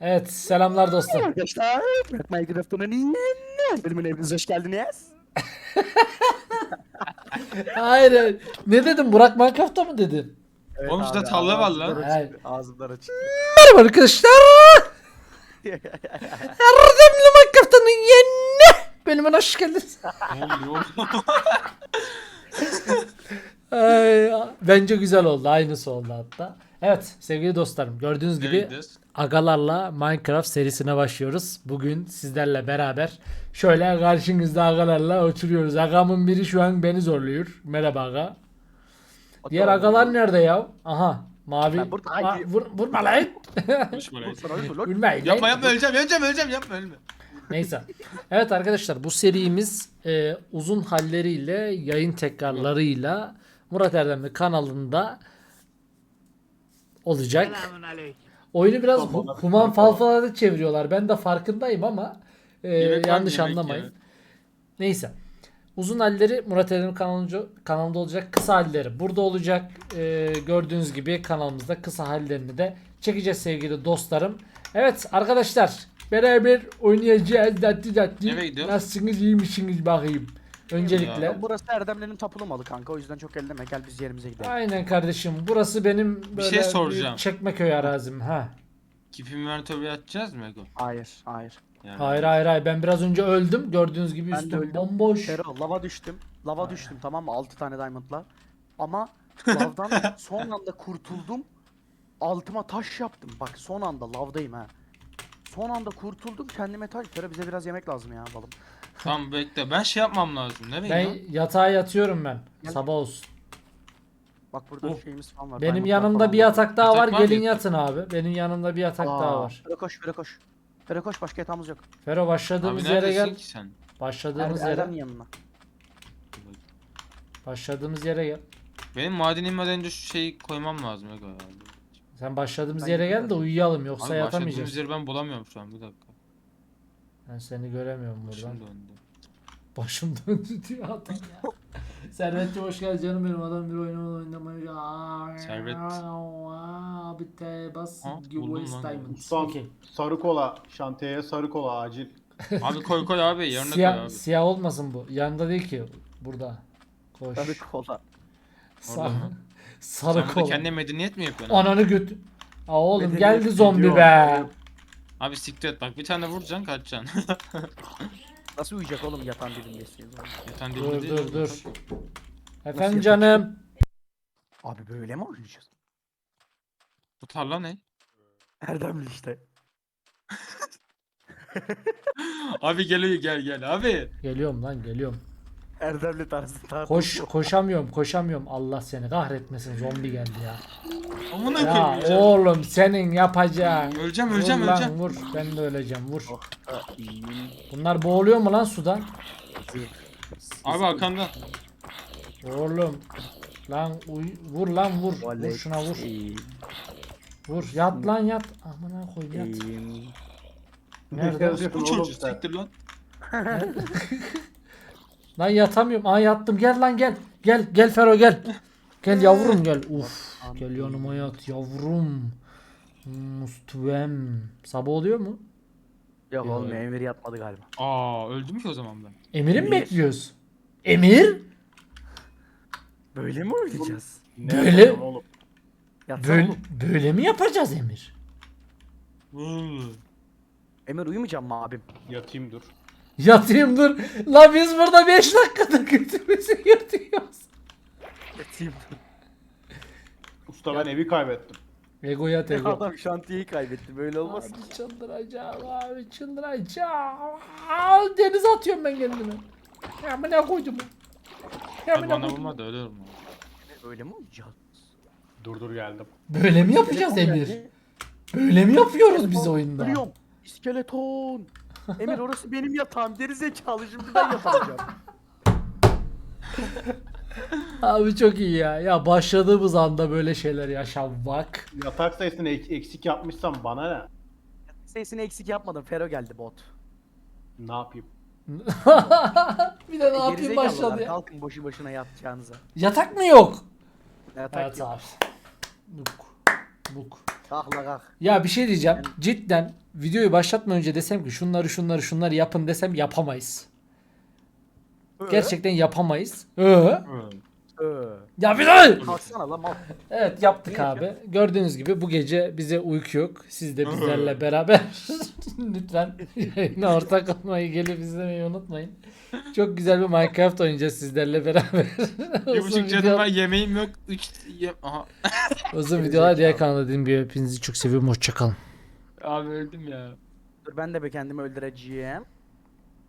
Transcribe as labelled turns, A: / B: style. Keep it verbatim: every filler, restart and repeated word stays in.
A: Evet, selamlar dostum.
B: Arkadaşlar, Bırak Minecraft'ın yeni bölümüne hepiniz hoş geldiniz.
A: Hayır, ne dedim? Burak Minecraft'ta mı dedin?
B: Evet
C: Oğlum işte
B: abi,
C: tarla var
B: ağzımdan
C: lan.
A: Hayır.
B: açıktı, ağzımdan açıktı.
A: Merhaba arkadaşlar. Erdemli Minecraft'ın yeni bölümüne hoş geldiniz.
C: Ne oluyor?
A: Ay, bence güzel oldu. Aynısı oldu hatta. Evet sevgili dostlarım, gördüğünüz gibi
C: Neredeyiz?
A: agalarla Minecraft serisine başlıyoruz. Bugün sizlerle beraber şöyle karşınızda agalarla oturuyoruz. Agamın biri şu an beni zorluyor. Merhaba aga. Diğer agalar nerede ya? Aha mavi.
B: Ben burada-
A: Aa,
B: Ay.
A: vur, vurma lan.
C: Konuşma lan.
B: Sana öyle lol.
A: Vurmayın lan.
C: Yapma yapma öleceğim öleceğim öleceğim yapma ölme.
A: Neyse. Evet arkadaşlar, bu serimiz e, uzun halleriyle, yayın tekrarlarıyla Murat Erdemli kanalında olacak. Oyunu biraz hu- human falfalarda çeviriyorlar. Ben de farkındayım ama e,
C: Yemek var mı?
A: yanlış
C: Yemek
A: anlamayın.
C: ya.
A: Neyse. Uzun halleri Murat Erdemli kanalında, kanalında olacak. Kısa halleri burada olacak. E, gördüğünüz gibi kanalımızda kısa hallerini de çekeceğiz sevgili dostlarım. Evet arkadaşlar, beraber oynayacağız. Datti datti.
C: Nereye gidiyoruz?
A: Nasılsınız, iyi misiniz bakayım. Öncelikle.
C: Ya.
B: Burası Erdemli'nin tapulu malı kanka, o yüzden çok elleme, gel biz yerimize gidelim.
A: Aynen kardeşim. Burası benim böyle
C: şey soracağım.
A: büyük Çekmeköy arazim. Ha.
C: Keep inventory atacağız mı Ego?
B: Hayır, hayır.
C: Yani
A: Hayır hayır hayır. Ben biraz önce öldüm. Gördüğünüz gibi
B: Ben de
A: üstüm
B: öldüm.
A: bomboş.
B: Fero, lava düştüm. Lava düştüm, tamam mı? altı tane diamondla. Ama lavdan son anda kurtuldum. Altıma taş yaptım. Bak son anda lavdayım ha. Son anda kurtuldum, kendime taş. Fero, bize biraz yemek lazım ya balım.
C: Tamam bekle ben şey yapmam lazım. Nereye
A: Ben
C: lan?
A: yatağa yatıyorum ben.
B: Gel.
A: Sabah olsun.
B: Bak burada
C: Oh.
B: şeyimiz falan var.
A: Benim
B: diamondlar
A: yanımda
B: falan
A: bir
B: var.
A: yatak daha
C: Yatak
A: var.
C: var mı
A: Gelin
C: yatak?
A: yatın abi. Benim yanımda bir yatak daha
B: Aa,
A: var.
B: Fero koş, Fero koş. Fero koş, başka yatağımız yok.
A: Fero
C: Abi
A: başladığımız yere
C: neredesin
A: gel.
C: ki sen?
A: Başladığımız
B: Er, Erdem'in
A: yere.
B: yanına.
A: Başladığımız yere gel.
C: Benim maden inmeden önce şu şeyi koymam lazım Ego ya.
A: Sen başladığımız
B: Ben
A: yere gel de
B: yatıyorum.
A: uyuyalım, yoksa
C: Abi başladığımız
A: yatamayacağız.
C: yeri ben bulamıyorum şu an bir dakika.
A: Ben seni göremiyorum buradan.
C: Başım döndü.
A: Başım döndü diyor adam ya. Servet'cim hoş geldin canım benim, adam bir oynamalı oynamayı. Aa,
C: Servet.
A: Abi te bas
C: Ha,
A: give
C: buldum
A: away
C: lan.
A: diamond.
D: Ustam
A: Okey.
D: sarı kola şantiyeye sarı kola acil.
C: Abi koy koy abi yerine koy
A: Siyah,
C: abi.
A: siyah olmasın bu. Yanında değil ki. Burada. Koş.
B: Sarı kola.
A: Sarı,
C: Orada mı?
A: sarı
C: Sen burada
A: kola.
C: kendine medeniyet mi yapıyorsun?
A: Ananı götü. Aa oğlum
B: Medeniyet
A: geldi zombi
D: gidiyor.
A: be.
C: Abi siktir et bak bir tane vuracaksın kaçacaksın.
B: Nasıl uyuyacak oğlum yatan dibindesin?
C: Yatan
A: Dur
C: dibinde değil
A: dur
C: oğlum.
A: dur. Efendim
B: yapacak?
A: canım.
B: Abi böyle mi oynayacağız?
C: Bu tarla ne?
B: Erdemli işte.
C: Abi geliyor gel gel abi.
A: Geliyorum lan geliyorum.
B: Erdemli tarzı tarzı.
A: Koş koşamıyorum koşamıyorum. Allah seni kahretmesin, zombi geldi ya.
C: Amına
A: Ya
C: koyayım öleceğim.
A: oğlum senin yapacağın.
C: Öleceğim
A: Vur
C: öleceğim
A: lan
C: öleceğim.
A: vur. Ben de öleceğim vur.
B: Oh, ah, iyiyim.
A: Bunlar boğuluyor mu lan suda?
C: Abi arkanda.
A: Oğlum. Lan uy vur lan vur. Vur
B: Tuvalet,
A: şuna vur.
B: iyiyim,
A: Vur yat lan yat. Amına koy yat.
B: iyiyim.
A: Nerede?
D: yazıyorsun
C: Bu
D: oğlum
C: çocuk
D: sen?
C: siktir lan.
A: Lan yatamıyorum. Aa yattım. Gel lan gel. Gel gel Fero gel. Gel yavrum gel. Uf. Gel yanıma yat yavrum. Mustuvem. Sabah oluyor mu?
B: Yok
A: Yok.
B: oğlum Emir yatmadı galiba.
C: Aa öldüm ki o zaman ben.
A: Emir'i mi
B: Emir.
A: bekliyoruz? Emir?
B: Böyle mi oynayacağız?
D: Ne
A: Böyle-
D: yapıyorsun oğlum?
B: Yatsana
A: Böyle,
B: oğlum.
A: böyle mi yapacağız Emir?
B: Emir uyumayacağım mı abim?
D: Yatayım dur.
A: Yatayım dur. La biz burada beş dakikada götümüzü yırtıyoruz.
B: Yatayım.
D: Usta ben evi kaybettim.
A: Ego yat ego.
B: Adam şantiyeyi kaybetti, böyle olmaz ki.
A: Abi çıldıracağım abi çıldıracağım. Aa, denize atıyorum ben kendimi. Ya bu ne koydum? Ya bu
C: Abi
A: ne
C: bana
A: koydum?
C: vurma da ölürüm.
B: Böyle mi oynayacağız?
D: Dur dur geldim.
A: Böyle mi yapacağız
B: İskeleton
A: Emir?
B: geldi.
A: Böyle mi yapıyoruz biz
B: İskeleton,
A: oyunda?
B: Ölüyorum. İskeleton. Emir orası benim yatağım. Gerizekalı, şimdi ben yatamayacağım.
A: Abi çok iyi ya. Ya başladığımız anda böyle şeyler yaşanmak.
D: Yatak sayısını ek- eksik yapmışsam bana ne?
B: Sesini eksik yapmadım. Fero geldi bot.
D: Ne yapayım?
A: Bir de ne yapayım
B: Gerizekalılar,
A: başladı ya.
B: kalkın boşu boşuna yatacağınıza.
A: Yatak mı yok?
B: Yatak
A: Evet
B: yok.
A: abi. Buk. Buk.
B: Kalk la kalk.
A: Ya bir şey diyeceğim. Cidden videoyu başlatmadan önce desem ki şunları şunları şunları yapın desem yapamayız. Gerçekten yapamayız. Ee?
C: Hı.
B: Ee,
A: Ya bir daha.
B: kalksana lan mal.
A: Evet yaptık
B: Ne
A: abi. Gördüğünüz gibi bu gece bize uyku yok. Siz de bizlerle beraber lütfen yayına ortak olmayı, gelip izlemeyi unutmayın. Çok güzel bir Minecraft oynayacağız sizlerle beraber.
C: Bir
A: uzun,
C: buçuk canım
A: video,
C: var, yemeğim yok. Üç yem... Aha.
A: uzun videolar diğer kanalda dediğim gibi hepinizi çok seviyorum. Hoşçakalın.
C: Abi öldüm ya.
B: Dur ben de be kendimi öldüreceğim.